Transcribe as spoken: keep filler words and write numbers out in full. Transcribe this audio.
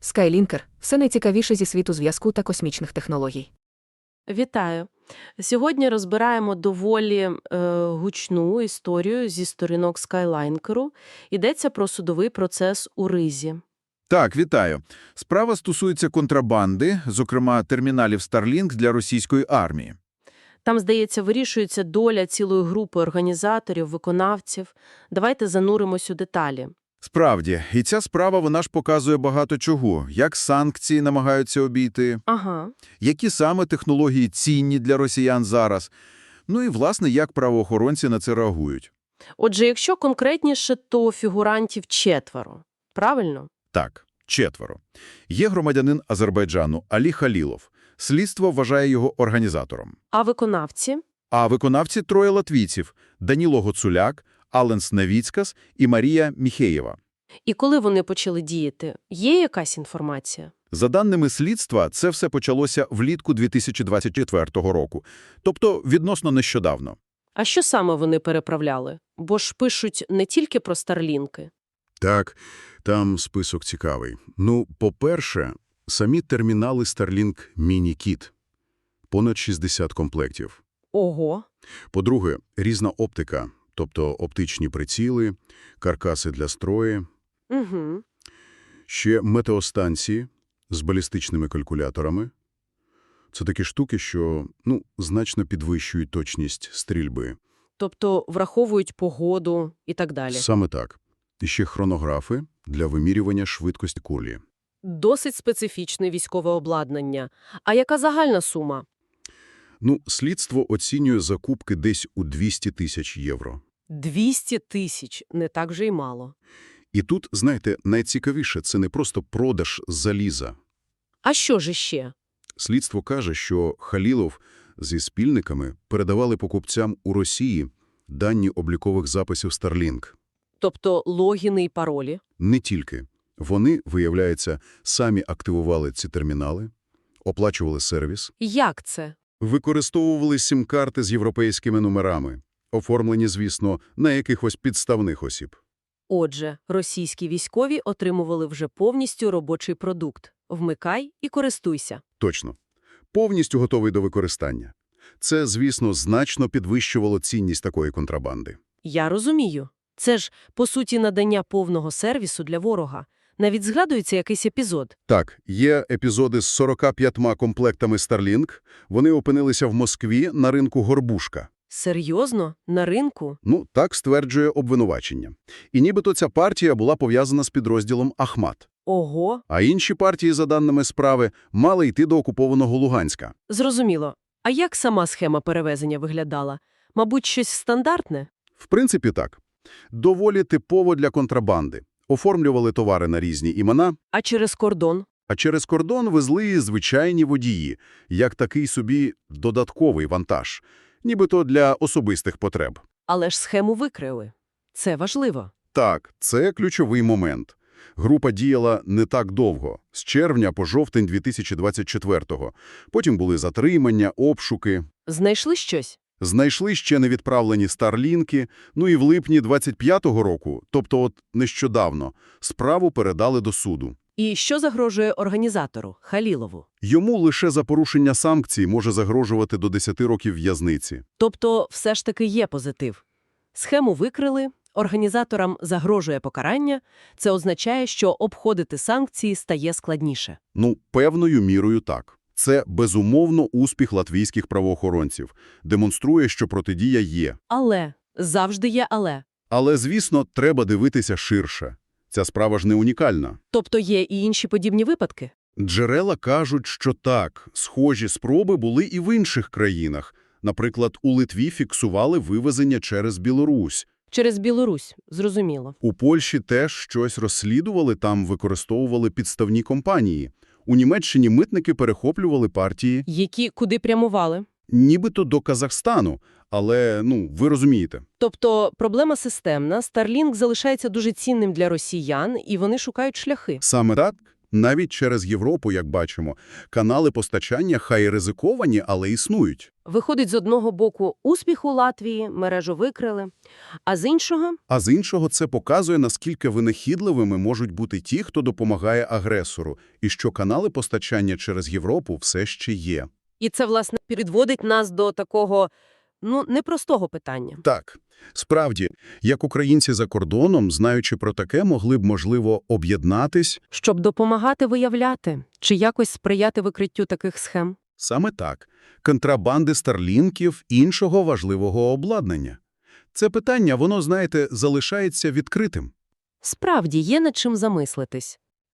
Skylінкер – все найцікавіше зі світу зв'язку та космічних технологій. Вітаю! Сьогодні розбираємо доволі е, гучну історію зі сторінок Skylінкеру. Йдеться про судовий процес у Ризі. Так, вітаю. Справа стосується контрабанди, зокрема терміналів Starlink для російської армії. Там, здається, вирішується доля цілої групи організаторів, виконавців. Давайте зануримось у деталі. Справді, і ця справа, вона ж показує багато чого. Як санкції намагаються обійти, Ага. які саме технології цінні для росіян зараз, ну і, власне, як правоохоронці на це реагують. Отже, якщо конкретніше, то фігурантів четверо. Правильно? Так, четверо. Є громадянин Азербайджану Алі Халілов. Слідство вважає його організатором. А виконавці? А виконавці – троє латвійців – Даніло Гоцуляк, Аленс Навіцкас і Марія Міхеєва. І коли вони почали діяти? Є якась інформація? За даними слідства, це все почалося влітку дві тисячі двадцять четвертого року, тобто відносно нещодавно. А що саме вони переправляли? Бо ж пишуть не тільки про старлінки. Так, там список цікавий. Ну, по-перше, самі термінали Starlink Mini-Kit. Понад шістдесят комплектів. Ого! По-друге, різна оптика, тобто оптичні приціли, каркаси для строї. Угу. Ще метеостанції з балістичними калькуляторами. Це такі штуки, що, ну, значно підвищують точність стрільби. Тобто враховують погоду і так далі. Саме так. І ще хронографи для вимірювання швидкості кулі. Досить специфічне військове обладнання. А яка загальна сума? Ну, слідство оцінює закупки десь у двісті тисяч євро. двісті тисяч. Не так же й мало. І тут, знаєте, найцікавіше – це не просто продаж заліза. А що ж іще? Слідство каже, що Халілов зі спільниками передавали покупцям у Росії дані облікових записів Starlink. Тобто логіни і паролі? Не тільки. Вони, виявляється, самі активували ці термінали, оплачували сервіс, Як це? використовували сім-карти з європейськими номерами, оформлені, звісно, на якихось підставних осіб. Отже, російські військові отримували вже повністю робочий продукт. Вмикай і користуйся. Точно. Повністю готовий до використання. Це, звісно, значно підвищувало цінність такої контрабанди. Я розумію. Це ж, по суті, надання повного сервісу для ворога. Навіть згадується якийсь епізод. Так, є епізоди з сорока п'ятьма комплектами Starlink. Вони опинилися в Москві на ринку «Горбушка». Серйозно? На ринку? Ну, так стверджує обвинувачення. І нібито ця партія була пов'язана з підрозділом «Ахмат». Ого! А інші партії, за даними справи, мали йти до окупованого Луганська. Зрозуміло. А як сама схема перевезення виглядала? Мабуть, щось стандартне? В принципі, так. Доволі типово для контрабанди. Оформлювали товари на різні імена, А через кордон? а через кордон везли і звичайні водії, як такий собі додатковий вантаж, нібито для особистих потреб. Але ж схему викрили. Це важливо. Так, це ключовий момент. Група діяла не так довго, з червня по жовтень дві тисячі двадцять четвертого. Потім були затримання, обшуки. Знайшли щось? Знайшли ще невідправлені старлінки, ну і в липні двадцять п'ятого року, тобто от нещодавно, справу передали до суду. І що загрожує організатору, Халілову? Йому лише за порушення санкцій може загрожувати до десяти років в'язниці. Тобто все ж таки є позитив. Схему викрили, організаторам загрожує покарання. Це означає, що обходити санкції стає складніше. Ну, певною мірою так. Це, безумовно, успіх латвійських правоохоронців. Демонструє, що протидія є. Але, завжди є але. Але, звісно, треба дивитися ширше. Ця справа ж не унікальна. Тобто є і інші подібні випадки? Джерела кажуть, що так, схожі спроби були і в інших країнах. Наприклад, у Литві фіксували вивезення через Білорусь. Через Білорусь, зрозуміло. У Польщі теж щось розслідували, там використовували підставні компанії. У Німеччині митники перехоплювали партії, Які куди прямували? нібито до Казахстану, але, ну, ви розумієте. Тобто проблема системна, Starlink залишається дуже цінним для росіян, і вони шукають шляхи. Саме так, Навіть через Європу, як бачимо, канали постачання хай і ризиковані, але існують. Виходить, з одного боку успіх у Латвії, мережу викрили, а з іншого А з іншого це показує, наскільки винахідливими можуть бути ті, хто допомагає агресору, і що канали постачання через Європу все ще є. І це, власне, підводить нас до такого, ну, непростого питання. Так, справді, як українці за кордоном, знаючи про таке, могли б, можливо, об'єднатись. Щоб допомагати виявляти чи якось сприяти викриттю таких схем. Саме так. Контрабанди старлінків, іншого важливого обладнання. Це питання, воно, знаєте, залишається відкритим. Справді, є над чим замислитись.